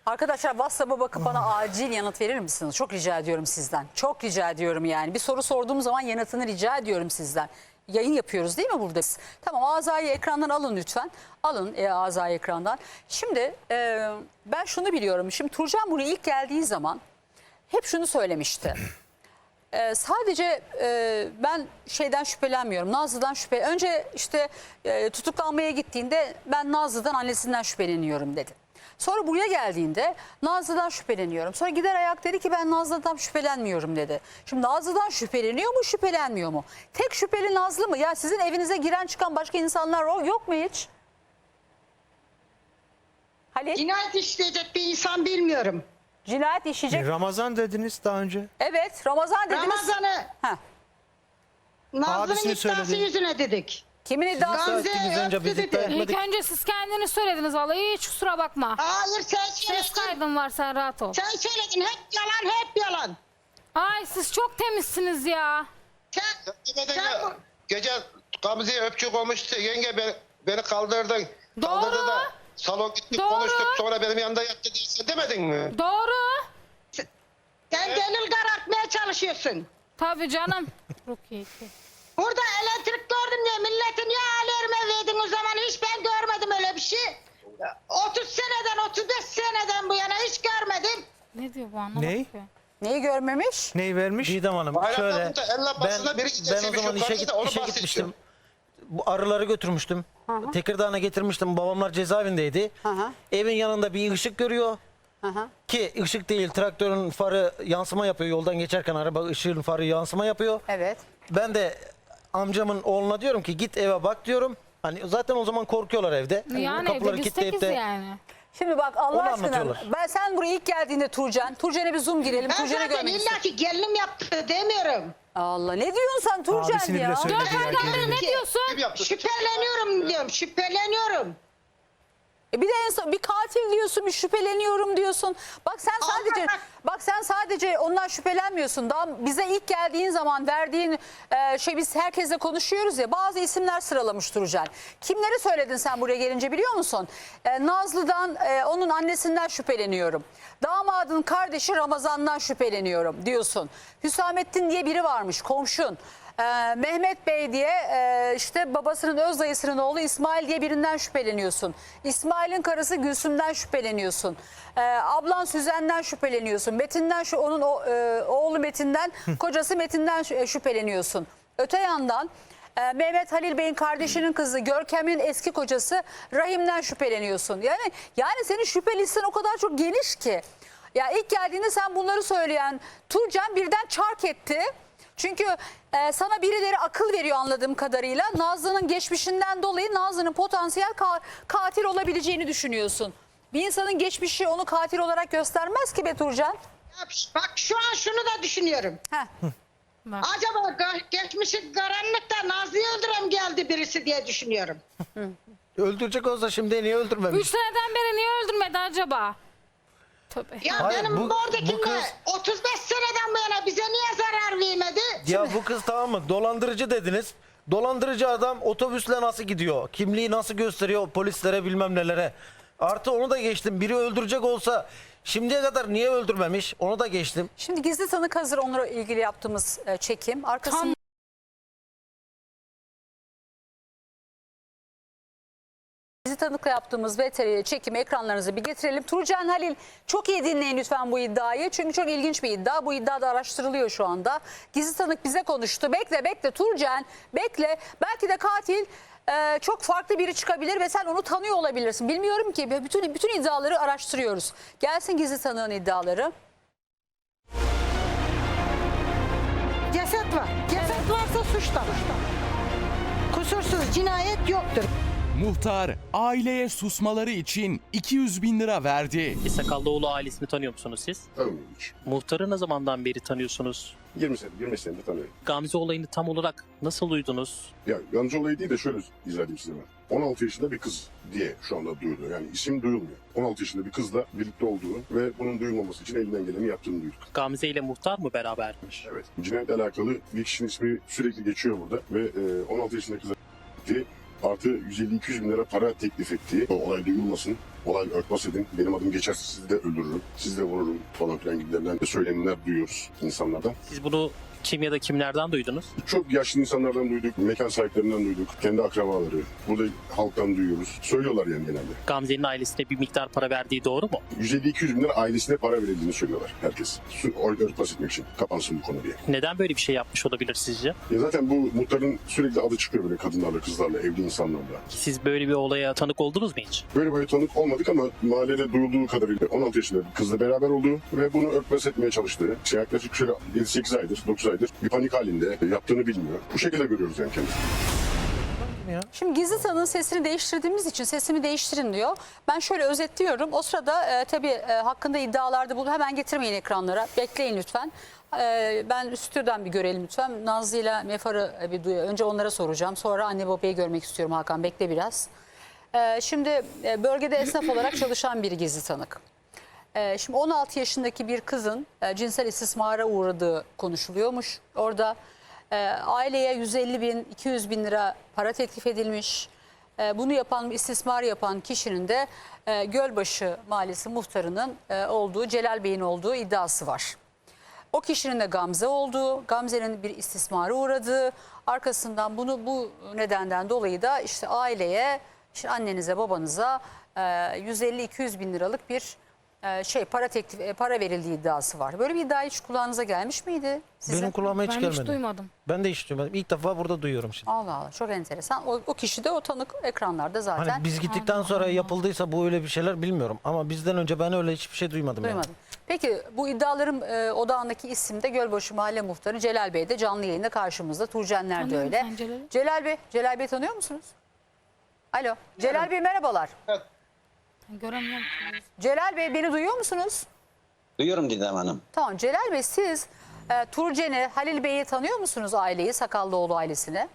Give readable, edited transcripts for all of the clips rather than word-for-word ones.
Arkadaşlar WhatsApp'a bakıp bana acil yanıt verir misiniz? Çok rica ediyorum sizden. Çok rica ediyorum yani. Bir soru sorduğum zaman yanıtını rica ediyorum sizden. Yayın yapıyoruz değil mi burada? Tamam, Aza'yı ekrandan alın lütfen. Alın Aza'yı ekrandan. Şimdi ben şunu biliyorum. Şimdi Turcan buraya ilk geldiği zaman hep şunu söylemişti. Sadece ben şeyden şüphelenmiyorum. Nazlı'dan Önce işte tutuklanmaya gittiğinde ben Nazlı'dan, annesinden şüpheleniyorum dedi. Sonra buraya geldiğinde Nazlı'dan şüpheleniyorum. Sonra gider ayak dedi ki ben Nazlı'dan şüphelenmiyorum dedi. Şimdi Nazlı'dan şüpheleniyor mu, şüphelenmiyor mu? Tek şüpheli Nazlı mı? Ya sizin evinize giren çıkan başka insanlar yok mu hiç? Halil? Cinayet işleyecek bir insan bilmiyorum. Cinayet işleyecek. Ramazan dediniz daha önce. Evet, Ramazan dediniz. Ramazan'ı Heh. Nazlı'nın Abisini iddiası söyledi. yüzüne dedik. Kimin iddiası? Gamze Ettiniz önce, biz öptü iddia dedi. etmedik. İlk önce siz kendiniz söylediniz vallahi, hiç kusura bakma. Hayır sen Ses söyledin. kaydın var, sen rahat ol. Sen söyledin, hep yalan, hep yalan. Ay siz çok temizsiniz ya. Sen Gece Gamze'ye öpçük olmuştu. Yenge beni kaldırdın. Doğru. Kaldırdı da salon gittik, Doğru. konuştuk. Sonra benim yanında yattı diye sen demedin mi? Doğru. sen delil karartmaya çalışıyorsun. Tabii canım. Rukiye. Burada elektrik gördüm diye milletin ya alarme verdin o zaman, hiç ben görmedim öyle bir şey. 30 seneden 35 seneden bu yana hiç görmedim. Ne diyor bu, anlamadım Ney? ki. Neyi görmemiş? Neyi vermiş? Didem Hanım Bayram şöyle namında elle basında biri ben gidecekse o bir zaman şey işe, varsa da onu işe bahsediyor. gitmiştim. Bu arıları götürmüştüm. Tekirdağ'a getirmiştim. Babamlar cezaevindeydi. Hı. Evin yanında bir ışık görüyor. Hı. Ki ışık değil, traktörün farı yansıma yapıyor. Yoldan geçerken araba ışığın farı yansıma yapıyor. Evet. Ben de amcamın oğluna diyorum ki git eve bak diyorum. Hani zaten o zaman korkuyorlar evde. Yani evde biz tekiz yani. Şimdi bak Allah Onu aşkına, anlatıyorlar. sen buraya ilk geldiğinde Turcan'a bir zoom girelim. Ben Turcan'ı zaten görmek illa istiyorum. ki gelinim yaptı demiyorum. Allah, ne diyorsun sen Turcan Abisini ya? bile söyledi Dört ya. aydan beri ne diyorsun? Kim yaptı? Şüpheleniyorum diyorum, şüpheleniyorum. Bir de en son bir katil diyorsun, bir şüpheleniyorum diyorsun. Bak sen sadece ondan şüphelenmiyorsun. Daha bize ilk geldiğin zaman verdiğin biz herkesle konuşuyoruz ya, bazı isimler sıralamış Turcan. Kimleri söyledin sen buraya gelince biliyor musun? Nazlı'dan, onun annesinden şüpheleniyorum. Damadın kardeşi Ramazan'dan şüpheleniyorum diyorsun. Hüsamettin diye biri varmış, komşun. Mehmet Bey diye işte babasının öz dayısının oğlu İsmail diye birinden şüpheleniyorsun. İsmail'in karısı Gülsüm'den şüpheleniyorsun. Ablan Süzen'den şüpheleniyorsun. Metin'den onun oğlu Metin'den, kocası Metin'den şüpheleniyorsun. Öte yandan Mehmet Halil Bey'in kardeşinin kızı Görkem'in eski kocası Rahim'den şüpheleniyorsun. Yani senin şüphe listen o kadar çok geniş ki. Ya ilk geldiğinde sen bunları söyleyen Turcan birden çark etti. Çünkü sana birileri akıl veriyor anladığım kadarıyla. Nazlı'nın geçmişinden dolayı Nazlı'nın potansiyel katil olabileceğini düşünüyorsun. Bir insanın geçmişi onu katil olarak göstermez ki be Turcan. Ya bak şu an şunu da düşünüyorum. Heh. Bak. Acaba geçmişi karanlıkta Nazlı'yı öldüren geldi birisi diye düşünüyorum. Öldürecek olsa şimdi niye öldürmemiş? 3 seneden beri niye öldürmedi acaba? Tövbe. Ya Hayır, benim bu oradakinde kız- 35 seneden bu yana bize niye zarar vermedi? Ya bu kız tamam mı? Dolandırıcı dediniz. Dolandırıcı adam otobüsle nasıl gidiyor? Kimliği nasıl gösteriyor polislere bilmem nelere? Artı onu da geçtim. Biri öldürecek olsa şimdiye kadar niye öldürmemiş? Onu da geçtim. Şimdi gizli tanık hazır, onunla ilgili yaptığımız çekim. Arkasında gizli tanıkla yaptığımız VTR çekimi ekranlarınıza bir getirelim. Turcan, Halil, çok iyi dinleyin lütfen bu iddiayı. Çünkü çok ilginç bir iddia. Bu iddia da araştırılıyor şu anda. Gizli tanık bize konuştu. Bekle Turcan, bekle. Belki de katil çok farklı biri çıkabilir ve sen onu tanıyor olabilirsin. Bilmiyorum ki, bütün iddiaları araştırıyoruz. Gelsin gizli tanığın iddiaları. Ceset var. Ceset varsa suç da var. Kusursuz cinayet yoktur. Muhtar aileye susmaları için 200 bin lira verdi. Sakallıoğlu ailesini tanıyor musunuz siz? Tanımıyorum hiç. Muhtarı ne zamandan beri tanıyorsunuz? 20 senedir tanıyorum. Gamze olayını tam olarak nasıl duydunuz? Ya Gamze olayı değil de şöyle izah edeyim size ben. 16 yaşında bir kız diye şu anda duyuluyor. Yani isim duyulmuyor. 16 yaşında bir kızla birlikte olduğunu ve bunun duyulmaması için elinden geleni yaptığını duyduk. Gamze ile muhtar mı berabermiş? Evet. Cinayetle alakalı bir kişinin ismi sürekli geçiyor burada ve 16 yaşında kıza gitti. Artı 150-200 bin lira para teklif ettiği, o olay duyulmasın, olay örtbas edin, benim adım geçerse sizi de öldürürüm, sizi de vururum falan filan gibilerinden de söylemler duyuyoruz insanlardan. Siz bunu kim ya da kimlerden duydunuz? Çok yaşlı insanlardan duyduk, mekan sahiplerinden duyduk, kendi akrabaları, burada halktan duyuyoruz. Söylüyorlar yani genelde. Gamze'nin ailesine bir miktar para verdiği doğru mu? 150-200 bin lira ailesine para verildiğini söylüyorlar herkes. Örtbas etmek için, kapansın bu konu diye. Neden böyle bir şey yapmış olabilir sizce? Ya zaten bu muhtarın sürekli adı çıkıyor böyle kadınlarla, kızlarla, evli insanlarla. Siz böyle bir olaya tanık oldunuz mu hiç? Böyle böyle tanık olmadık ama mahallede duyulduğu kadarıyla 16 yaşında bir kızla beraber olduğu ve bunu örtbas etmeye çalıştığı, yaklaşık şöyle 7-8 aydır, 9 aydır bir panik halinde, yaptığını bilmiyor. Bu şekilde görüyoruz yani kendisini. Şimdi gizli tanığın sesini değiştirdiğimiz için sesimi değiştirin diyor. Ben şöyle özetliyorum. O sırada tabii hakkında iddialarda bulun. Hemen getirmeyin ekranlara. Bekleyin lütfen. Ben stüdyodan bir görelim lütfen. Nazlı ile Mefar'ı bir duyuyor. Önce onlara soracağım. Sonra anne babayı görmek istiyorum Hakan. Bekle biraz. Şimdi bölgede esnaf olarak çalışan bir gizli tanık. Şimdi 16 yaşındaki bir kızın cinsel istismara uğradığı konuşuluyormuş. Orada aileye 150 bin, 200 bin lira para teklif edilmiş. Bunu yapan, istismar yapan kişinin de Gölbaşı Mahallesi muhtarının olduğu, Celal Bey'in olduğu iddiası var. O kişinin de Gamze olduğu, Gamze'nin bir istismara uğradığı, arkasından bu nedenden dolayı da işte aileye, işte annenize, babanıza 150-200 bin liralık bir para verildiği iddiası var. Böyle bir iddia hiç kulağınıza gelmiş miydi size? Benim kulağıma hiç Ben gelmedi. hiç duymadım. Ben de hiç duymadım. İlk defa burada duyuyorum şimdi. Allah Allah, çok enteresan. O kişi de o tanık ekranlarda zaten. Hani biz gittikten sonra yapıldıysa bu öyle bir şeyler bilmiyorum. Ama bizden önce ben öyle hiçbir şey duymadım. Duymadım. Peki bu iddiaların odağındaki isim de Gölbaşı Mahalle Muhtarı Celal Bey de canlı yayında karşımızda. Turcenler de Tanıyorum öyle. sen Celal'i. Celal Bey tanıyor musunuz? Alo. Celal Bey merhabalar. Göremiyorum. Celal Bey beni duyuyor musunuz? Duyuyorum Didem Hanım. Tamam Celal Bey siz Turcen'i, Halil Bey'i tanıyor musunuz aileyi, Sakallıoğlu ailesini?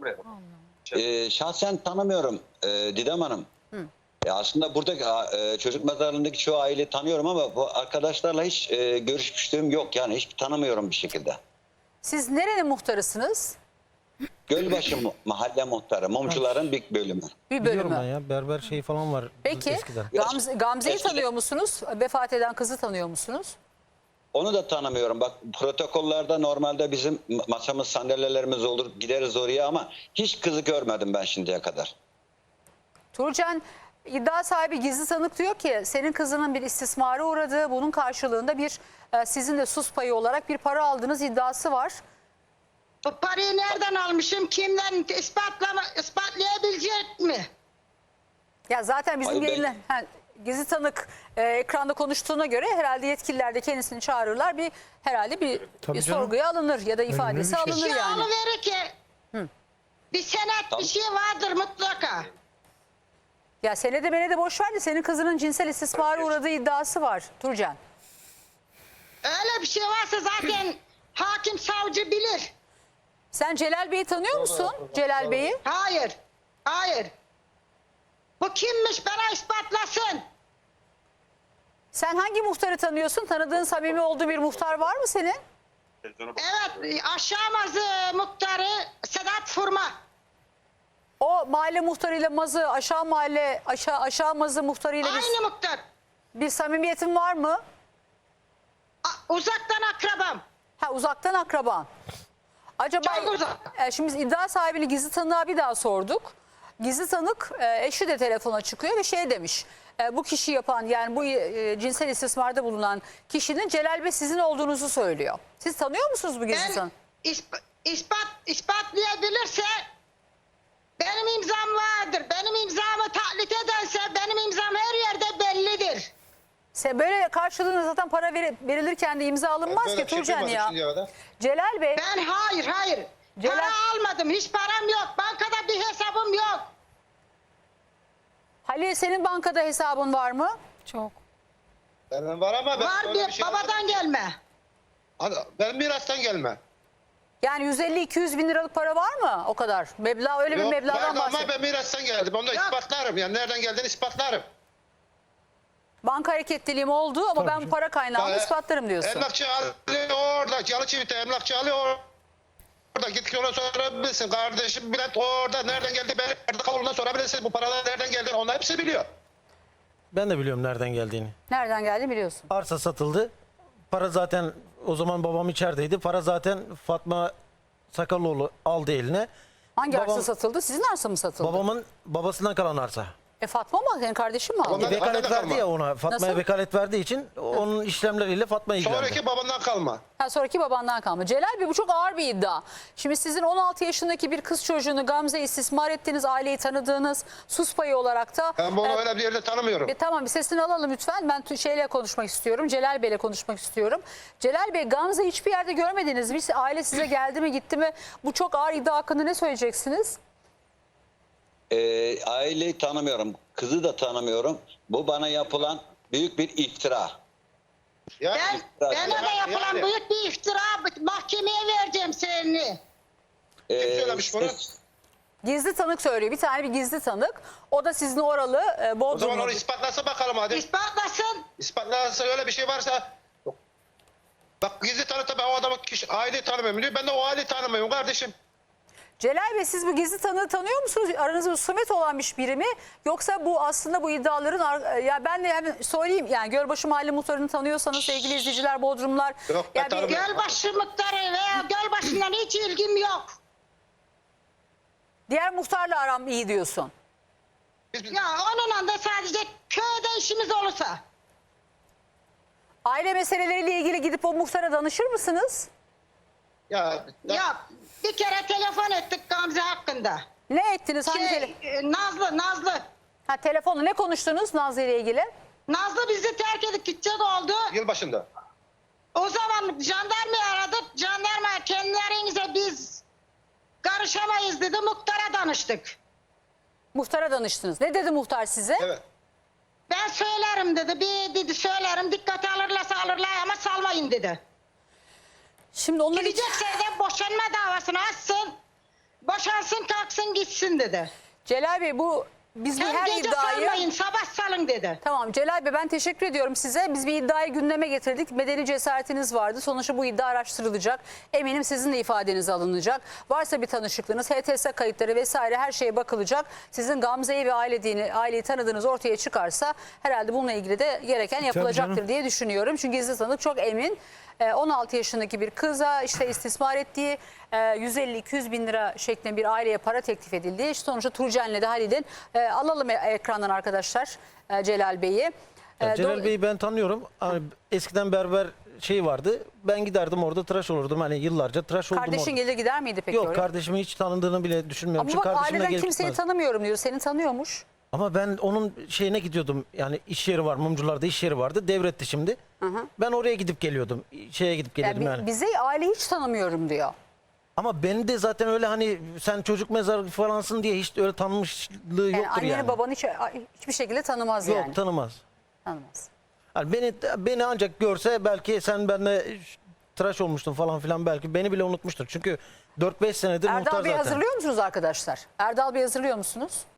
Şahsen tanımıyorum Didem Hanım. Aslında burada çocuk mezarlığındaki çoğu aileyi tanıyorum ama bu arkadaşlarla hiç görüşmüşlüğüm yok. Yani hiç tanımıyorum bir şekilde. Siz nerenin muhtarısınız? Gölbaşı mahalle muhtarı, mumcuların bir bölümü. Bir Biliyorum bölümü. ben ya. Berber şeyi falan var. Peki Eskiden. Gamze'yi Eskiden. tanıyor musunuz? Vefat eden kızı tanıyor musunuz? Onu da tanımıyorum. Bak protokollerde normalde bizim masamız, sandalyelerimiz olur, gideriz oraya ama hiç kızı görmedim ben şimdiye kadar. Turcan iddia sahibi gizli tanık diyor ki senin kızının bir istismara uğradığı, bunun karşılığında bir sizin de sus payı olarak bir para aldığınız iddiası var. Bu parayı nereden almışım? Kimden ispatlayabilecek mi? Ya zaten bizim Hayır, yayınla gizli tanık ekranda konuştuğuna göre herhalde yetkililer de kendisini çağırırlar. Herhalde bir Tabii canım. sorguya alınır ya da ifadesi bir şey. alınır yani. alıverir ki. Bir senet Tamam. bir şey vardır mutlaka. Ya senede menede boş ver de senin kızının cinsel istismara uğradığı iddiası var Turcan. Öyle bir şey varsa zaten hakim savcı bilir. Sen Celal Bey'i tanıyor musun? Celal Bey'i? Hayır. Hayır. Bu kimmiş bana ispatlasın. Sen hangi muhtarı tanıyorsun? Tanıdığın samimi olduğu bir muhtar var mı senin? Evet aşağı mazı muhtarı Sedat Furma. O mahalle muhtarıyla Mazı, aşağı Mazı muhtarıyla Aynı muhtar. bir samimiyetin var mı? Uzaktan akrabam. Ha, uzaktan akraban. Acaba Çok uzak. Şimdi biz iddia sahibini gizli tanığa bir daha sorduk. Gizli tanık eşi de telefona çıkıyor ve şey demiş. Bu kişi yapan yani bu cinsel istismarda bulunan kişinin Celal Bey sizin olduğunuzu söylüyor. Siz tanıyor musunuz bu gizli tanık? İspatlayabilirse benim imzam vardır. Benim imzamı taklit ederse benim imzam her yerde bellidir. Böyle karşılığında zaten para verilirken de imza alınmaz Böyle ki bir şey Turcan duymadım ya. şimdiye kadar. Celal Bey, Ben hayır. Para almadım. Hiç param yok. Bankada bir hesabım yok. Halil senin bankada hesabın var mı? Çok. Benim var ama ben Var öyle bir bir şey babadan almadım. gelme. Ben mirastan gelme. Yani 150-200 bin liralık para var mı o kadar? Meblağ öyle bir Yok, meblağdan vardı ama bahsediyor. ben mirastan geldim. Onu da Yok. ispatlarım. Yani nereden geldiğini ispatlarım. Banka hareketliliğim oldu ama ben bu para kaynağını ispatlarım diyorsun. Emlakçı Ali orada. Yalıçivit'te emlakçı Ali orada. orada git ona sorabilirsin. Kardeşim Bülent orada nereden geldi? Ben nerede kavuluna sorabilirsin. Bu paralar nereden geldi? Onlar hepsi biliyor. Ben de biliyorum nereden geldiğini. Nereden geldi biliyorsun. Arsa satıldı. Para zaten o zaman babam içerideydi. Para zaten Fatma Sakallıoğlu aldı eline. Hangi Babam- arsa satıldı? Sizin arsa mı satıldı? Babamın babasından kalan arsa. Fatma mı? Senin kardeşin mi aldı? Babamdan- Vekalet Bana da verdi kalma. ya ona. Fatma'ya Nasıl? vekalet verdiği için onun işlemleriyle Fatma ilgilendi. Sonraki babandan kalma. Ha, sonraki babandan kalma. Celal Bey bu çok ağır bir iddia. Şimdi sizin 16 yaşındaki bir kız çocuğunu Gamze istismar ettiğiniz, aileyi tanıdığınız, sus payı olarak da... Ben bunu öyle bir yerde tanımıyorum. Tamam, bir sesini alalım lütfen. Ben şeyle konuşmak istiyorum. Celal Bey'le konuşmak istiyorum. Celal Bey, Gamze hiçbir yerde görmediniz mi? Aile size geldi mi gitti mi? Bu çok ağır iddia hakkında ne söyleyeceksiniz? Aileyi tanımıyorum. Kızı da tanımıyorum. Bu bana yapılan büyük bir iftira. Yani, Bana da yapılan büyük bir iftira, mahkemeye vereceğim seni. Kim söylemiş bunu? Gizli tanık söylüyor. Bir tane bir gizli tanık. O da sizin oralı O zaman Bodrum'da. onu ispatlasa bakalım hadi. İspatlasın. İspatlarsa öyle bir şey varsa. Bak gizli tanıkta ben o adamı aileyi tanımıyorum diyor. Ben de o aileyi tanımıyorum kardeşim. Celal Bey, siz bu gizli tanığı tanıyor musunuz? Aranızda husumet olan biri mi? Yoksa bu aslında bu iddiaların... Ya ben de hemen söyleyeyim. Yani Gölbaşı Mahalle Muhtarı'nı tanıyorsanız sevgili izleyiciler, Bodrumlar... Yok, ben Ya tanımıyorum. Gölbaşı muhtarı veya Gölbaşı'ndan hiç ilgim yok. diğer muhtarla aram iyi diyorsun. Ya onunla da sadece köyde işimiz olursa. Aile meseleleriyle ilgili gidip o muhtara danışır mısınız? Ya Ya bir kere telefon ettik Gamze hakkında. Ne ettiniz? Hangi Nazlı. Ha, telefonla ne konuştunuz Nazlı ile ilgili? Nazlı bizi terk edip gidecek oldu. yılbaşında. O zaman jandarmayı aradık. Jandarma kendilerinize biz karışamayız dedi. Muhtara danıştık. Muhtara danıştınız. Ne dedi muhtar size? Evet. Ben söylerim dedi. Bir dedi söylerim. Dikkate alırlarsa alırlar ama salmayın dedi. Şimdi onları Gidecekse de boşanma davasını açsın. Boşansın kalksın gitsin dedi. Celal Bey, biz bu Hem her gece iddiayı... salmayın sabah salın dedi. Tamam Celal Bey, ben teşekkür ediyorum size. Biz bir iddiayı gündeme getirdik. Medeni cesaretiniz vardı. Sonuçta bu iddia araştırılacak. Eminim sizin de ifadeniz alınacak. Varsa bir tanışıklığınız, HTS kayıtları vesaire her şeye bakılacak. Sizin Gamze'yi ve aileyi tanıdığınız ortaya çıkarsa herhalde bununla ilgili de gereken yapılacaktır diye düşünüyorum. Çünkü gizli tanık çok emin. 16 yaşındaki bir kıza işte istismar ettiği, 150-200 bin lira şeklinde bir aileye para teklif edildiği. İşte sonuçta Turcen'le de Halil'in alalım ekrandan arkadaşlar Celal Bey'i. Celal Bey'i ben tanıyorum. Hani eskiden berber vardı. Ben giderdim orada tıraş olurdum. Hani yıllarca tıraş oldum Kardeşin orada. gelir gider miydi peki Yok, oraya? kardeşimi hiç tanıdığını bile düşünmüyorum. Ama Çünkü bak, kardeşim de aileden gelip kimseyi gitmez. tanımıyorum diyor. Seni tanıyormuş. Ama ben onun şeyine gidiyordum. Yani iş yeri var. Mumcular'da iş yeri vardı. Devretti şimdi. Ben oraya gidip geliyordum. Şeye gidip geliyordum yani. Bize aile hiç tanımıyorum diyor. Ama beni de zaten öyle hani sen çocuk mezarı falansın diye hiç öyle tanımışlığı Yani yoktur anneni yani. babanı hiçbir şekilde tanımaz Yok, yani. tanımaz. Tanımaz. Yani beni ancak görse belki sen benimle tıraş olmuştun falan filan, belki beni bile unutmuştur. Çünkü 4-5 senedir muhtar Erdal Bey zaten. hazırlıyor musunuz arkadaşlar? Erdal Bey hazırlıyor musunuz?